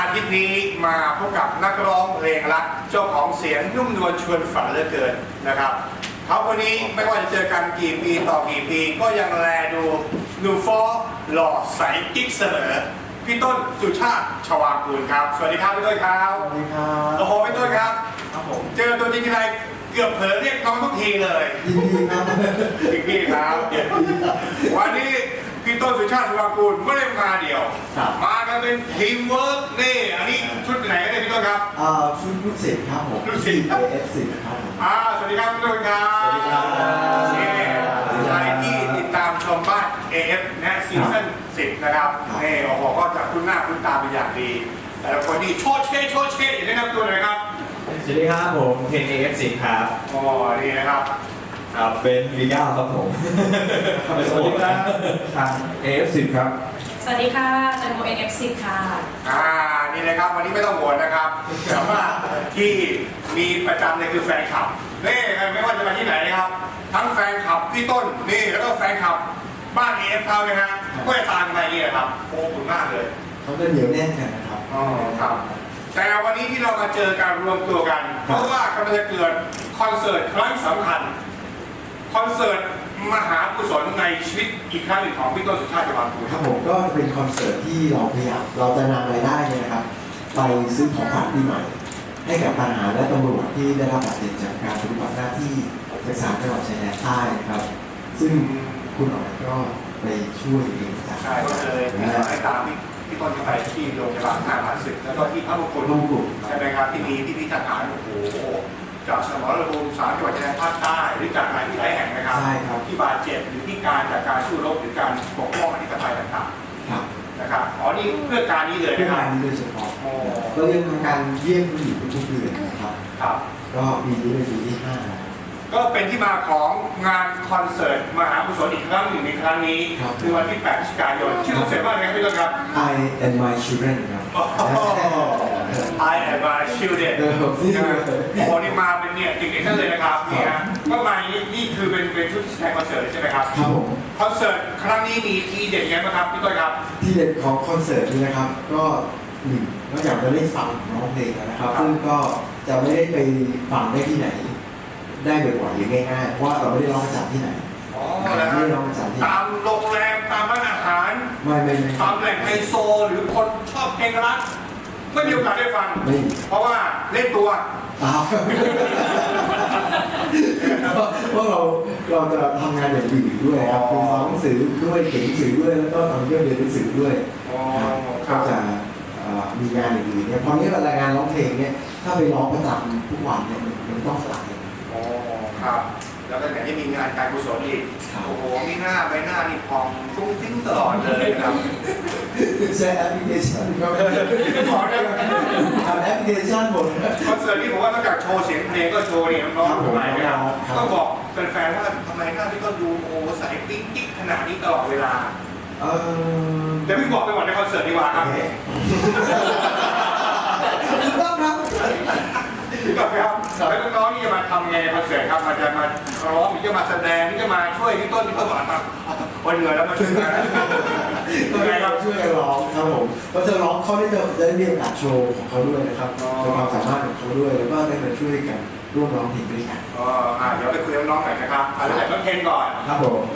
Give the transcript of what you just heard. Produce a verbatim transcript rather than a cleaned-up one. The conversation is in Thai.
ทิตย์นี้มาพบกับนักร้องเพลงรักเจ้าของเสียงนุ่มนวลชวนฝันเหลือเกินนะครับเขาคนนี้ไม่ว่าจะเจอกันกี่ปีต่อกี่ปีก็ยังแลดูหนุ่มฟ้อหล่อใสกิ๊กเสมอพี่ต้นสุชาติชวากูลครับสวัสดีครับพี่ต้นครับสวัสดีครับโอ้โหพี่ต้นครับครับผมเจอตัวจริงทีไรเกือบเผลอเรียกน้องทุกทีเลยยินดีครับพี่พี่ครับวันนี้พี่ต้นสุชาติชวากูลไม่ได้มาเดี่ยวมากันเป็นทีมเวิร์กนี่อันนี้ชุดไหนกันเนี่ยพี่ต้นครับอ่าชุดลูกศิษย์ครับผมลูกศิษย์เอฟสิบครับผมอ่าสวัสดีครับพี่ต้นครับสวัสดีครับนี่ใครที่ติดตามชมบ้าน เอ เอฟ นะซีซั่นสิบนะครับนี่โอ้โหก็จะคุ้นหน้าคุ้นตาเป็นอย่างดีแต่ละคนนี่โชดเช่โชดเช่อย่างนี้นะครับตัวไหนครับสวัสดีครับผมเพนเอฟสิครับอ๋อนี่นะครับครับเบนวีก้าครับผมสวัสดีครับทางเอฟสิครับสวัสดีค่ะแตงโมเอ็นเอฟสิบค่ะอ่านี่นะครับวันนี้ไม่ต้องโหวตนะครับแต่ว่าที่มีประจำเลยคือแฟนคลับนี่ไม่ว่าจะมาที่ไหนนะครับทั้งแฟนคลับพี่ต้นนี่แล้วก็แฟนคลับบ้านเอฟเขาเนี่ยฮะก็จะตามมานี่นะครับโอ้ขอบคุณมากเลยเขาจะเหนียวแน่นกันนะครับอ๋อครับแต่วันนี้ที่เรามาเจอการรวมตัวกัน เพราะว่ากำลังจะเกิดคอนเสิร์ตครั้งสำคัญคอนเสิร์ตมหากุศลในชีวิตอีกครั้งหนึ่งของพี่ต้นสุชาติชวากูลครับผมก็จะเป็นคอนเสิร์ตที่เราพยายามเราจะนำรายได้เนี่ยนะครับ ไปซื้อของขวัญปีใหม่ ให้กับทหารและตำรวจที่ได้รับบาดเจ็บจากการปฏิบัติหน้าที่ในสามจังหวัดชายแดนใต้นะครับ ซึ่งคุณอ๋อยก็ไปช่วยเองจากใช่ก็เลยมีสายตามที่พี่ต้นจะไปที่โรงพยาบาลทหารศึกแล้วก็ที่พระมงกุฎร่วมกลุ่มใช่ไหมครับที่มีที่พิพิธภัณฑ์โอ้โหจากสมรภูมิสามจังหวัดชายแดนภาคใต้หรือจากหลายที่หลายแห่งนะครับใช่ครับที่บาดเจ็บหรือที่การจากการสู้รบหรือการปกป้องอธิปไตยต่างครับๆนะครับอ๋อนี่เพื่อการนี้เลยเพื่อนะครับงานนี้โดยเฉพาะโอ้เรายังทำการเยี่ยมผู้หญิงทุกๆเดือนนะครับครับก็ปีนี้เป็นปีที่ห้าแล้วก็เป็นที่มาของงานคอนเสิร์ตมหากุศลอีกครั้งหนึ่งในครั้งนี้คือวันที่แปดพฤศจิกายนชื่อคอนเสิร์ตว่าอะไรครับพี่ต้นครับ I and my children ครับ I am my children เออผมที่ใช่ไหมโอ้โหนี่มาเป็นเนี่ยจริงๆท่านเลยนะครับนี่ฮะก็มานี่นี่คือเป็นเป็นชุดแสดงคอนเสิร์ตเลยใช่ไหมครับครับผมคอนเสิร์ตครั้งนี้มีทีเด็ดยังไงบ้างครับพี่ต้นครับที่เด็ดของคอนเสิร์ตนี้นะครับ ก็หนึ่งนอกจากจะได้ฟังร้องเพลงแล้วนะครับครับซึ่งก็จะไม่ได้ไปฟังได้ที่ไหน ได้บ่อยๆหรือง่ายๆเพราะว่าเราไม่ได้ร้องประจำที่ไหนอ๋อไม่แล้วได้ร้องประจำที่ไหนตามโรงแรมตามร้านอาหารไม่ไม่ไม่ตามแหล่งไฮโซหรือคนชอบเพลงรักไม่มีโอกาสได้ฟังไม่เพราะว่าเล่นตัวตามเพราะเราเราจะทำงานอย่างอื่นด้วยครับคือฟังหนังสือด้วยเขียนหนังสือด้วยแล้วก็ทำเรื่องเรียนหนังสือด้วยอ๋อก็จะเอ่อมีงานอย่างอื่นเนี่ยพอนี้เวลางานร้องเพลงเนี่ยถ้าไปร้องประจำทุกวันเนี่ยมันมันต้องสลายอ๋อครับ แล้วก็อย่างที่มีงานการกุศลอีกครับโอ้โหมีหน้าใบหน้านี่พองฟุ้งฟิ้งตลอดเลยนะครับใช้แอปพลิเคชันก็ขอได้ทำแอปพลิเคชันหมดคอนเสิร์ตที่ผมว่านอกจากโชว์เสียงเพลงก็โชว์นี่น้องๆทำไมนะครับครับต้องบอกแฟนๆว่าทำไมหน้าพี่ต้นดูโอ้โหใสปิ๊งกิ๊กขนาดนี้ตลอดเวลาเออเดี๋ยวพี่บอกไปก่อนในคอนเสิร์ตดีกว่าครับถูกต้องครับพี่บอกครับแล้วน้องๆนี่จะมาทำไงในคอนเสิร์ตครับมาจะมาร้องหรือจะมาแสดงหรือจะมาช่วยพี่ต้นพี่ต้นบอกครับวันเหนื่อยแล้วมาช่วยกันก็ให้เราช่วยกันร้องครับผมก็จะร้องเขาได้จะได้เรียนการโชว์ของเขาด้วยนะครับโชว์ความสามารถของเขาด้วยแล้วก็ได้มาช่วยกันร่วมร้องเพลงด้วยกันอ๋ออ่าเดี๋ยวไปคุยกับน้องๆหน่อยนะครับเอาเริ่มจากน้องเคนก่อนครับผม